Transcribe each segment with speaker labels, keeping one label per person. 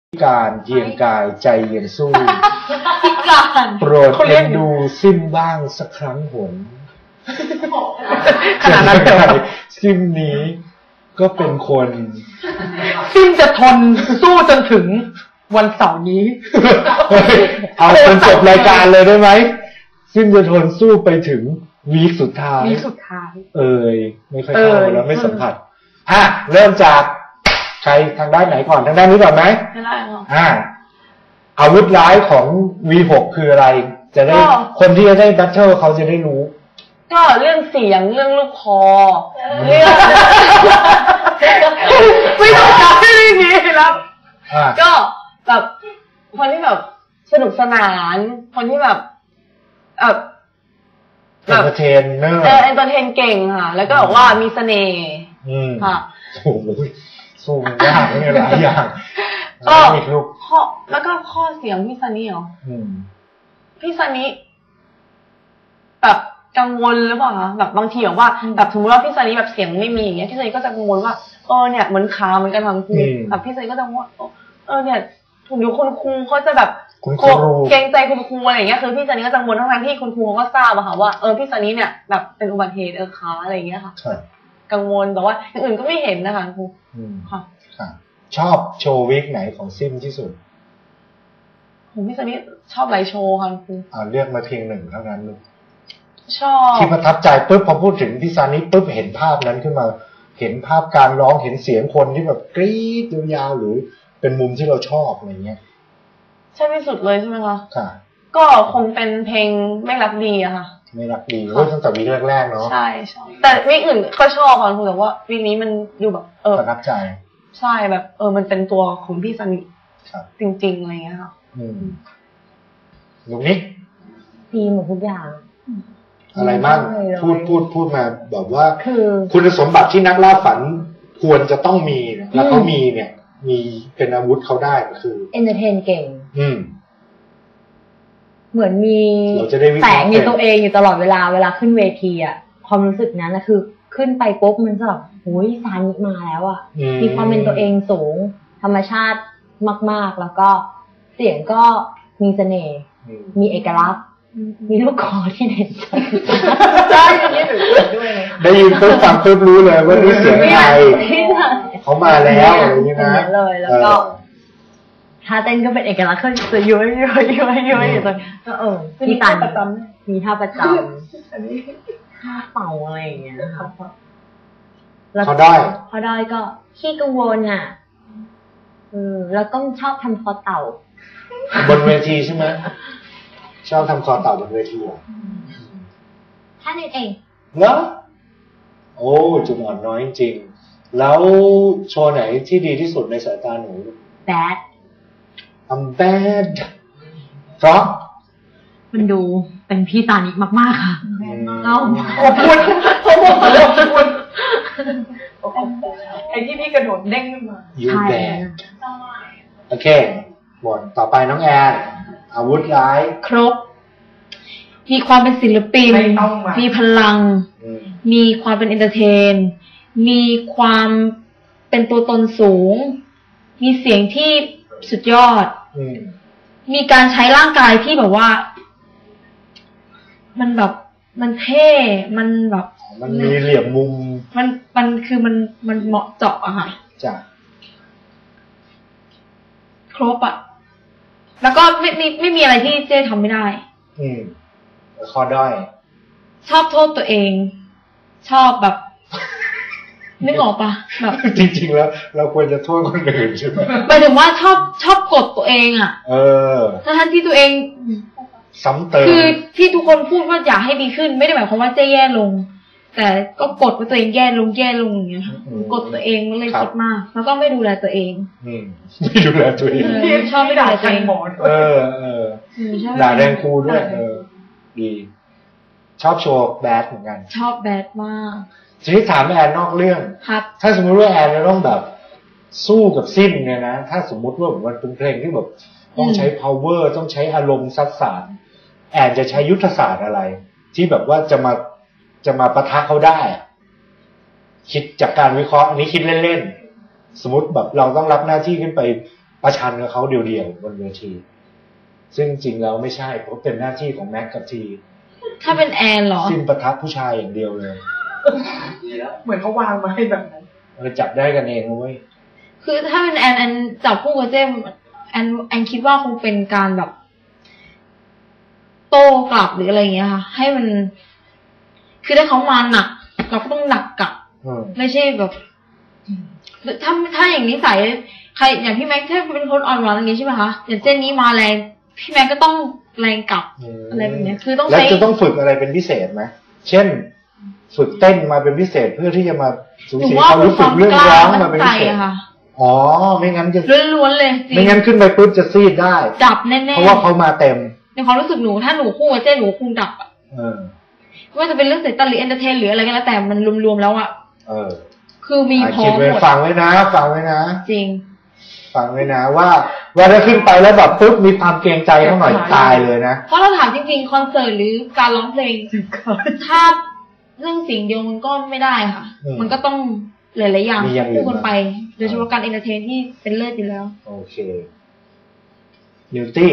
Speaker 1: การเยียงกายใจเย็นสู้
Speaker 2: พิการ
Speaker 1: โปรดเอ็นดูซิมบ้างสักครั้งหนขนาดนั้นเลยซิมนี้ก็เป็นคน
Speaker 2: ซิมจะทนสู้จนถึงวันเสาร์นี้
Speaker 1: เอาจนจบรายการเลยได้ไหมซิมจะทนสู้ไปถึงวีคสุดท้ายไม่ค่อยเข้าแล้วไม่สัมผัสเริ่มจากใครทางด้านไหนก่อนทางด้านนี้ก่อนไหม
Speaker 2: ไม่ได้หรอก
Speaker 1: อาวุธร้ายของ V6 คืออะไรจะได้คนที่จะได้แบทเทิลเขาจะได้รู้
Speaker 2: ก็เรื่องเสียงเรื่องลูกคอเรื่องไม่ต้องจับไม่ได้มีแล้วก็แบบคนที่แบบสนุกสนานคนที่แบบ
Speaker 1: เอนเตอร์เทนเนอร์
Speaker 2: เอนเตอร์เทนเก่งค่ะแล้วก็บอกว่ามีเสน่ห์ค่ะ
Speaker 1: โอ้โหสู้ยากเนี่ยหลายอย่าง
Speaker 2: ก็แล้วก็ข้อเสียงพี่ซันนี่เหรอพี่ซันนี่แบบกังวลหรือเปล่าคะแบบบางทีแบบสมมติว่าพี่ซันนี่แบบเสียงไม่มีอย่างเงี้ยพี่ซันนี่ก็จะกังวลว่าเนี่ยเหมือนขาเหมือนกันทั้งคู่แบบพี่ซันนี่ก็จะว่าเนี่ยถูกอยู่คุณครูเขาจะแบบเกรงใจคุณครูอะไรอย่างเงี้ยคือพี่ซันนี่ก็กังวลทั้งที่คุณครูเขาก็ทราบอะค่ะว่าพี่ซันนี่เนี่ยแบบเป็นอุบัติเหตุขาอะไรอย่างเงี้ยค่ะกังวลแต่ว่าอย่างอื่นก็ไม่เห็นนะคะครูค่ะ
Speaker 1: ชอบโชว์วิกไหนของซิมที่สุด
Speaker 2: ผมพี่ซันนี่ชอบหลายโชว์ค่ะครู
Speaker 1: เลือกมาเพียงหนึ่งเท่านั้นเลย
Speaker 2: ชอบ
Speaker 1: ที่ประทับใจปุ๊บพอพูดถึงพี่ซันนี่ปุ๊บเห็นภาพนั้นขึ้นมาเห็นภาพการร้องเห็นเสียงคนที่แบบกรี๊ดยาวๆหรือเป็นมุมที่เราชอบอะไรเงี้ย
Speaker 2: ใช่ที่สุดเลยใช่ไหมคะ
Speaker 1: ค่ะ
Speaker 2: ก็คงเป็นเพลงไม่รักดีอะค่ะ
Speaker 1: ไม่รักดีตั้งแต่วีคแรกๆเนาะ
Speaker 2: ใช่แต่วีคอื่นก็ชอบค่ะคุณแต่ว่าวีคนี้มันดูแบบ
Speaker 1: ประทับใจ
Speaker 2: ใช่แบบมันเป็นตัวของพี่ซันนี่จริงๆอะไรเงี้ยค่ะ
Speaker 1: ลูกนี้
Speaker 3: ดีหมดทุกอย่าง
Speaker 1: อะไรบ้างพูดมาแบบว่าคุณสมบัติที่นักล่าฝันควรจะต้องมีแล้วเขามีเนี่ยมีเป็นอาวุธเขาได้คือ
Speaker 3: เอนเตอร์เทนเก่งเหมือนมี
Speaker 1: แส
Speaker 3: งในตัวเองอยู่ตลอดเวลาขึ้นเวทีอ่ะความรู้สึกนั้นนะคือขึ้นไปปุ๊บมันจะแบบโอ้ยซานิมาแล้วอ่ะมีความเป็นตัวเองสูงธรรมชาติมากๆแล้วก็เสียงก็มีเสน่ห์มีเอกลักษณ์มีลูกคอที่เด่นชัด
Speaker 2: ใช่ที่หนูด้วย
Speaker 1: ได้ยินปุ๊บฟังปุ๊บรู้เลยว่านี่เสียงใครเขามาแล้วอะไรอย่างนี้นะ
Speaker 3: เลยแล้วก็ท่าเต้นก็เป็นเอกลักษณ์เขาจะย้อยอยู่ตรงก็มีท่าประจำมีท่าประจำท่าเป่าอะไรอย่างเงี้ยครับ
Speaker 1: เขาได้
Speaker 3: ก็ขี้กังวลอ่ะแล้วต้องชอบทำคอเต่า
Speaker 1: บนเวทีใช่ไหมชอบทำคอเต่าบนเวที
Speaker 3: ท่านี้เอง
Speaker 1: เหรอโอ้จุดอ่อนน้อยจริงแล้วโชว์ไหนที่ดีที่สุดในสายตาหนู
Speaker 3: Bad
Speaker 1: I'm bad เพราะ
Speaker 3: มันดูเป็นพี่ตานิมากๆค่ะ
Speaker 2: ขอบคุณไอ้ที่พี่กระโดดเด้งขึ้นมา
Speaker 1: You bad โอเคหมดต่อไปน้องแอนอาวุธร้าย
Speaker 2: ครบมีความเป็นศิลปินมีพลังมีความเป็นเอนเตอร์เทนมีความเป็นตัวตนสูงมีเสียงที่สุดยอดมีการใช้ร่างกายที่แบบว่ามันแบบมันเท่มันแบบ
Speaker 1: มันมีเหลี่ยมมุม
Speaker 2: มันคือมันเหมาะเจาะอะค่ะ
Speaker 1: จ้ะ
Speaker 2: ครบอะแล้วก็ไม่มีอะไรที่เจ๊ทำไม่ได้
Speaker 1: ข้อด้อย
Speaker 2: ชอบโทษตัวเองชอบแบบนึกออกปะแบบ
Speaker 1: จริงๆแล้วเราควรจะโทษคนอื่นใช่ไหม
Speaker 2: หมายถึงว่าชอบกดตัวเองอะทั้งที่ตัวเอง
Speaker 1: ซ้ำเติม
Speaker 2: คือที่ทุกคนพูดว่าอยากให้ดีขึ้นไม่ได้หมายความว่าเจ๊แย่ลงแต่ก็กดว่าตัวเองแย่ลงอย่างเงี้ยกดตัวเองเลยคิดมากแล้วก็ไม่ดูแลตัวเอง
Speaker 1: ไม่ดูแลตัวเอง
Speaker 2: ชอบไม่ด่าตัวเอง
Speaker 1: ด่าแรงครูด้วยดีชอบโชว์แบดเหมือนกัน
Speaker 2: ชอบแบดมาก
Speaker 1: ทีนี้ถามแอนนอกเรื่องถ้าสมมุติว่าแอนจะต้องแบบสู้กับซิมเนี่ยนะถ้าสมมุติว่ามันเป็นเพลงที่แบบต้องใช้ power ต้องใช้อารมณ์ซัดสานแอนจะใช้ยุทธศาสตร์อะไรที่แบบว่าจะมาปะทะเขาได้คิดจากการวิเคราะห์อันนี้คิดเล่นๆสมมติแบบเราต้องรับหน้าที่ขึ้นไปประชันกับเขาเดี่ยวๆบนเวทีซึ่งจริงแล้วไม่ใช่เพราะเป็นหน้าที่ของแม็กกับที
Speaker 3: ถ้าเป็นแอนเหรอ
Speaker 1: สิ้นประทับผู้ชายอย่างเดียวเลย
Speaker 2: เหมือนเขาวางมาให้แบบนั้น
Speaker 1: เราจับได้กันเองเว้ย
Speaker 3: คือถ้าเป็นแอนจับคู่กับเจมแอนคิดว่าคงเป็นการแบบโต้กลับหรืออะไรอย่างเงี้ยค่ะให้มันคือถ้าเขามาหนักเราก็ต้องหนักกลับไม่ใช่แบบถ้าอย่างนี้ใส่ใครอย่างพี่แม็กถ้าเป็นคนอ่อนหวานอย่างงี้ใช่ไหมคะอย่างเจนนี้มาแรงพี่แม็กก็ต้องแรงกลับอะไรแบบนี้คือต้อง
Speaker 1: แล้วจะต้องฝึกอะไรเป็นพิเศษไหมเช่นฝึกเต้นมาเป็นพิเศษเพื่อที่จะมาสูสีเขารู้สึกเรื่องร้องมาเป็นพิเศษอ๋อไม่งั้นจะ
Speaker 3: ล้วนๆเลย
Speaker 1: ไม่งั้นขึ้นไปปุ๊บจะซีดได้
Speaker 3: ดับแน่ๆ
Speaker 1: เพราะว่าเขามาเต็ม
Speaker 3: ในความรู้สึกหนูถ้าหนูคู่กับเจนหนูคงดับอ่ะว่าจะเป็นเรื่องเสร็จตันหรือเอนเตอร์เทนหรืออะไรก็แล้วแต่มันรวมๆแล้วอ่ะคือมีพอหมด
Speaker 1: ฟังไว้นะฟังไว้นะ
Speaker 3: จริง
Speaker 1: ฟังไว้นะว่าถ้าขึ้นไปแล้วแบบปุ๊บมีความเกรงใจเขาหน่อยตายเลยนะ
Speaker 3: เพราะเราถามจริงๆคอนเสิร์ตหรือการร้องเพลงถ้าเรื่องสิ่งเดียวมันก็ไม่ได้ค่ะมันก็ต้องหลายๆอย่างคู่กันไปโดยเฉพาะการเอนเตอร์เทนที่เป็นเลิศอยู่แล้ว
Speaker 1: โอเคนิวตี้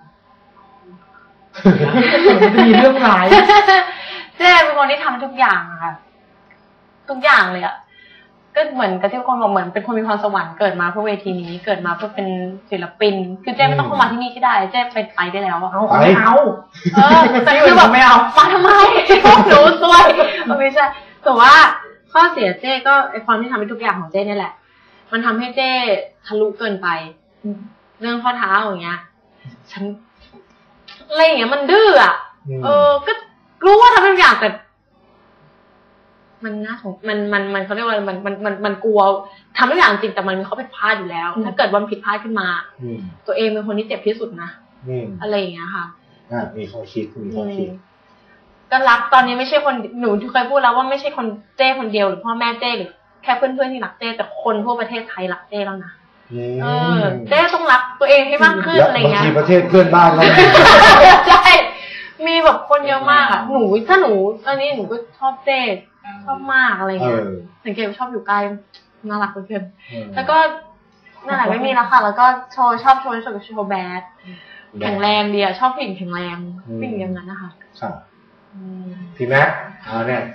Speaker 2: มีเรื่องร้าย
Speaker 4: เจ๊เป็นคนที่ทำทุกอย่างค่ะทุกอย่างเลยอะก็เหมือนกับที่คนบอกเหมือนเป็นคนมีพรสวรรค์เกิดมาเพื่อเวทีนี้เกิดมาเพื่อเป็นศิลปินคือเจ๊ไม่ต้องเข้ามาที่นี่ก็ได้เจ๊ไปได้แล้วอะ
Speaker 2: ไม่เอา
Speaker 4: แต่คือแบบไม่เอามาทำไมพวกหนูซวยไม่ใช่แต่ว่าข้อเสียเจ๊ก็ไอความที่ทำให้ทุกอย่างของเจ๊นี่แหละมันทำให้เจ๊ทะลุเกินไปเรื่องข้อเท้าอย่างเงี้ยฉันอะไรอย่างเงี้ยมันดื้ออ่ะก็รู้ว่าทำทุกอย่างแต่มันน่าสงมันเขาเรียกว่ามันกลัวทำทุกอย่างจริงแต่มันมีข้อผิดพลาดอยู่แล้วถ้าเกิดวันผิดพลาดขึ้นมาตัวเองเป็นคนที่เจ็บที่สุดนะอะไรอย่างเงี้ยค่ะ
Speaker 1: มีข้อคิด
Speaker 4: ก็รักตอนนี้ไม่ใช่คนหนูที่เคยพูดแล้วว่าไม่ใช่คนเจ้คนเดียวหรือพ่อแม่เจ้หรือแค่เพื่อนๆที่รักเจ้แต่คนทั่วประเทศไทยรักเจ้แล้วนะเจ้ต้องรักตัวเองให้มากขึ้นอะไรเงี้ย
Speaker 1: บางทีประเทศเพื่อนบ้านเรา
Speaker 4: ใช่มีแบบคนเยอะมากอ่ะหนูถ้าหนูตอนนี้หนูก็ชอบเจ้ชอบมากอะไรเงี้ยสังเกตว่าชอบอยู่ใกล้น่ารักเพื่อนแล้วก็นั่นแหละไม่มีแล้วค่ะแล้วก็ชอบโชว์แบดแข็งแรงดีอ่ะชอบผู้หญิงแข็งแรงผู้หญิงอย่างนั้นนะคะ
Speaker 1: พี่แม็กเนี่ย